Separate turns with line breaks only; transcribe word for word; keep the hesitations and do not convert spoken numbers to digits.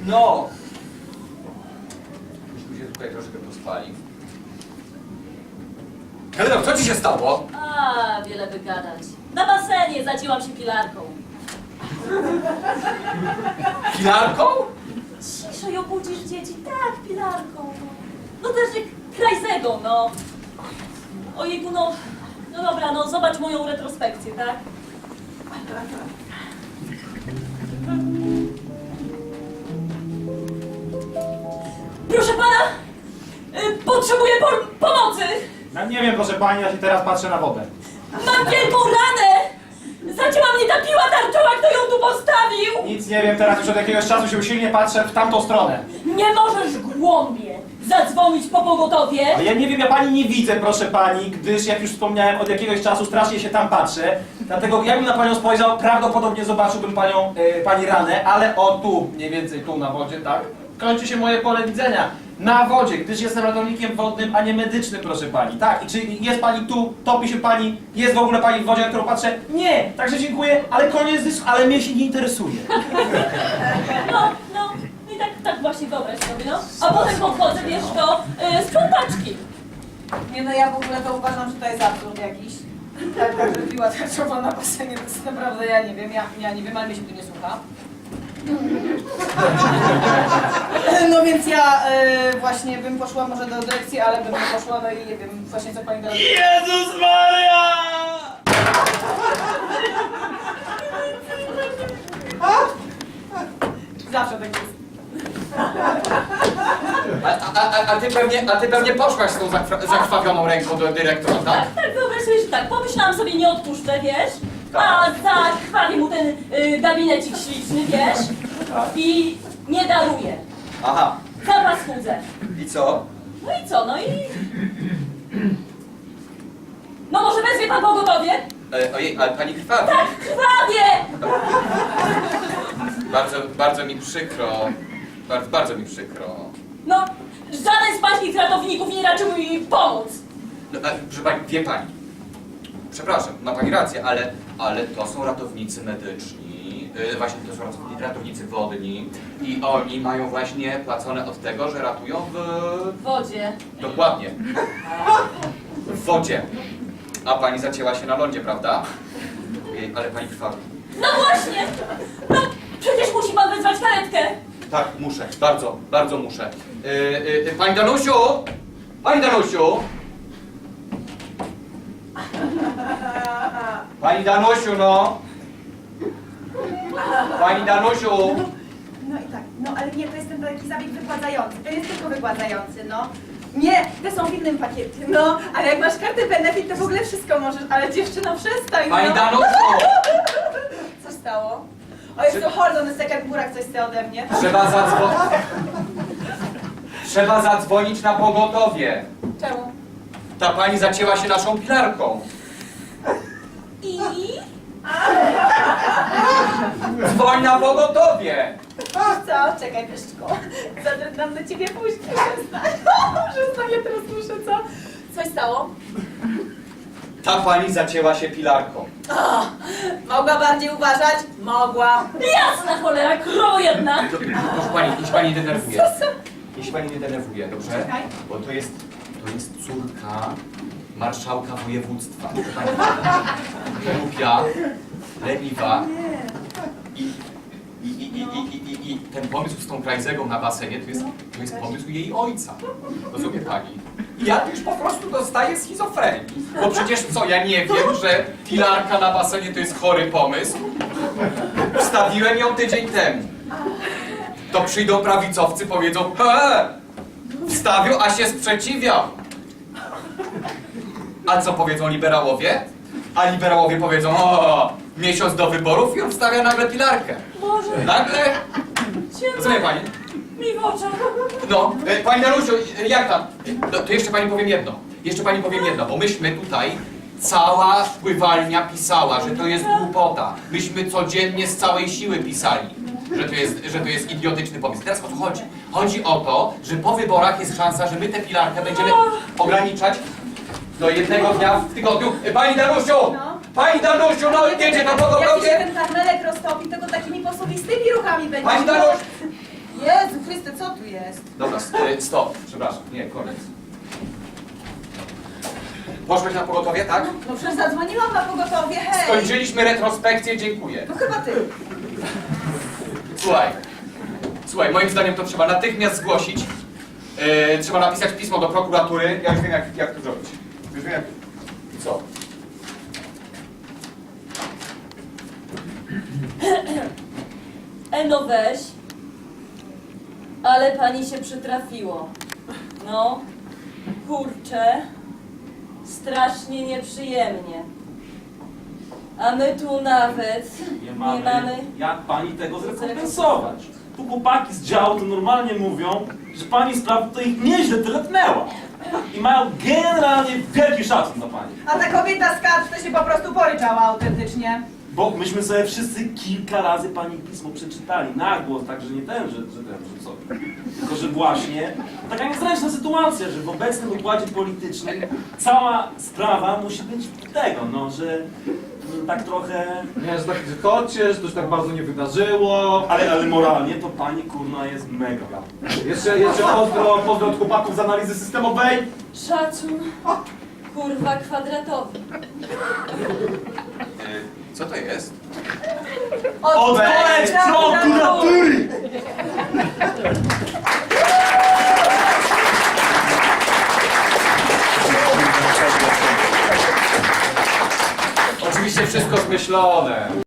No! Myśmy się tutaj troszkę pospali. Helena, co ci się stało?
A, wiele wygadać. Na basenie zacięłam się pilarką.
Pilarką?
Ciszej obudzisz dzieci. Tak, pilarką. No też jak Krajzego, no. Ojejku, no. No dobra, no zobacz moją retrospekcję, tak? Proszę pana! Y, potrzebuję po pomocy!
Ja nie wiem, proszę pani, ja się teraz patrzę na wodę.
Mam wielką ranę! Zacięła mnie ta piła tarczowa, kto ją tu postawił!
Nic nie wiem, teraz już od jakiegoś czasu się usilnie patrzę w tamtą stronę.
Nie możesz głąbie zadzwonić po pogotowie!
A ja nie wiem, ja pani nie widzę, proszę pani, gdyż jak już wspomniałem, od jakiegoś czasu strasznie się tam patrzę. Dlatego jakbym na panią spojrzał, prawdopodobnie zobaczyłbym panią, e, pani ranę, ale o tu, mniej więcej tu na wodzie, tak? Kończy się moje pole widzenia. Na wodzie, gdyż jestem ratownikiem wodnym, a nie medycznym, proszę pani. Tak, i czy jest pani tu, topi się pani, jest w ogóle pani w wodzie, na którą patrzę? Nie, także dziękuję, ale koniec dysku, ale mnie się nie interesuje.
No, no, i tak, tak właśnie wyobraź sobie, no. A potem podchodzę, wiesz, do y, sprzątaczki.
Nie no, ja w ogóle to uważam, że to jest absurd jakiś. Tak, tak, że piła tarczowa na basenie, to jest naprawdę, ja nie wiem, ja, ja nie wiem, ale mnie się tu nie słucha. No więc ja y, właśnie bym poszła może do dyrekcji, ale bym nie poszła, no i nie wiem właśnie co pani teraz...
Jezus Maria!
Zawsze tak jest.
A, a, a, a, ty pewnie, a ty pewnie poszłaś z tą zakra- zakrwawioną ręką do dyrektora, tak?
Tak, tak, wyobraź sobie, że tak, pomyślałam sobie, nie odpuszczę, wiesz? A zakrwawi mu ten y, gabinecik śliczny, wiesz? I nie daruję.
Aha.
Zapas chudzę.
I co?
No i co, no i... No może wezwie pan pogotowie?
E, ojej, ale pani krwawi.
Tak, krwawie!
Bardzo, bardzo mi przykro. Bardzo, bardzo mi przykro.
No, żaden z pańskich ratowników nie raczył mi pomóc.
No, a, proszę pani, wie pani. Przepraszam, ma pani rację, ale, ale to są ratownicy medyczni. Yy, właśnie to są ratownicy, ratownicy wodni. I oni mają właśnie płacone od tego, że ratują w...
W wodzie.
Dokładnie. W wodzie. A pani zacięła się na lądzie, prawda? Jej, ale pani krwawi.
No właśnie! No, przecież musi pan wezwać karetkę.
Tak, muszę. Bardzo, bardzo muszę. Yy, yy, pani Danusiu! Pani Danusiu! Pani Danusiu, no! Pani Danusiu!
No i tak, no ale nie, to jest ten taki zabieg wygładzający, to jest tylko wygładzający, no. Nie, te są w innym pakiecie, no, ale jak masz kartę benefit, to w ogóle wszystko możesz, ale dziewczyno, przestań, no.
Pani Danusiu!
Co stało? O, jest to hold on a second, Burak coś chce ode mnie.
Trzeba zadzwonić. Trzeba zadzwonić na pogotowie.
Czemu?
Ta pani zacięła się naszą pilarką.
I...
Dzwoń na pogotowie!
Co? Czekaj, Pyszczku. Zadrędam do ciebie później, przestań. Przestań, ja teraz muszę, co? Coś stało?
Ta pani zacięła się pilarką.
O, mogła bardziej uważać? Mogła.
Jasna cholera, krowo jedna!
Proszę pani, niech pani nie denerwuje. Niech się pani nie denerwuje, dobrze?
Czekaj.
Bo to jest, to jest córka marszałka województwa. Głupia, leniwa. I, i, i, i, i, i, I ten pomysł z tą Krajzegą na basenie to jest, to jest pomysł jej ojca. Rozumie pani? I ja już po prostu dostaję schizofrenii. Bo przecież co, ja nie wiem, że pilarka na basenie to jest chory pomysł. Wstawiłem ją tydzień temu. To przyjdą prawicowcy, powiedzą: he, wstawił, a się sprzeciwiał. A co powiedzą liberałowie? A liberałowie powiedzą: o, miesiąc do wyborów i on wstawia nagle pilarkę.
Boże,
Nagle, rozumie pani?
mi w oczach.
No, e, pani Danusiu, e, jak tam? No, to jeszcze pani powiem jedno. Jeszcze pani powiem jedno, bo myśmy tutaj, cała pływalnia pisała, że to jest głupota. Myśmy codziennie z całej siły pisali, że to jest, że to jest idiotyczny pomysł. Teraz o co chodzi? Chodzi o to, że po wyborach jest szansa, że my tę pilarkę będziemy ograniczać do jednego dnia w tygodniu. E, Pani Danusiu!
No.
Pani Danusiu, no jedzie na
Jak się
pogotowie!
ten karmelek roztopi, to go takimi posuwistymi ruchami będzie.
Pani Danusiu!
Jezu Chryste, co tu jest?
Dobra, s- y, stop, przepraszam, nie, koniec. Poszłeś na pogotowie, tak?
No przecież zadzwoniłam na pogotowie, hej!
Skończyliśmy retrospekcję, dziękuję.
No chyba ty.
Słuchaj, słuchaj, moim zdaniem to trzeba natychmiast zgłosić. Yy, trzeba napisać pismo do prokuratury. Ja już wiem, jak, jak to zrobić. Już wiem, jak... Co?
E no weź. Ale pani się przytrafiło. No, kurczę, strasznie nieprzyjemnie. A my tu nawet
Nie mamy,
nie mamy...
jak pani tego zrekompensować. Tu chłopaki z działu to normalnie mówią, że pani sprawa to ich nieźle teletnęła. I mają generalnie wielki szacun dla pani.
A ta kobieta z kadr to się po prostu poryczała autentycznie.
Bo myśmy sobie wszyscy kilka razy pani pismo przeczytali na głos, także nie ten, że, że ten, że co. Tylko, że właśnie taka niezręczna sytuacja, że w obecnym układzie politycznym cała sprawa musi być tego, no, że no, tak trochę...
Nie, że tak chodźcie, że to się tak bardzo nie wydarzyło.
Ale, ale moralnie to pani kurna jest mega.
Jeszcze, jeszcze pozdro, pozdro od chłopaków z analizy systemowej.
Szacun, kurwa, kwadratowy.
Yy, co to jest?
Odpowiedź prokuratury!
Oczywiście wszystko zmyślone.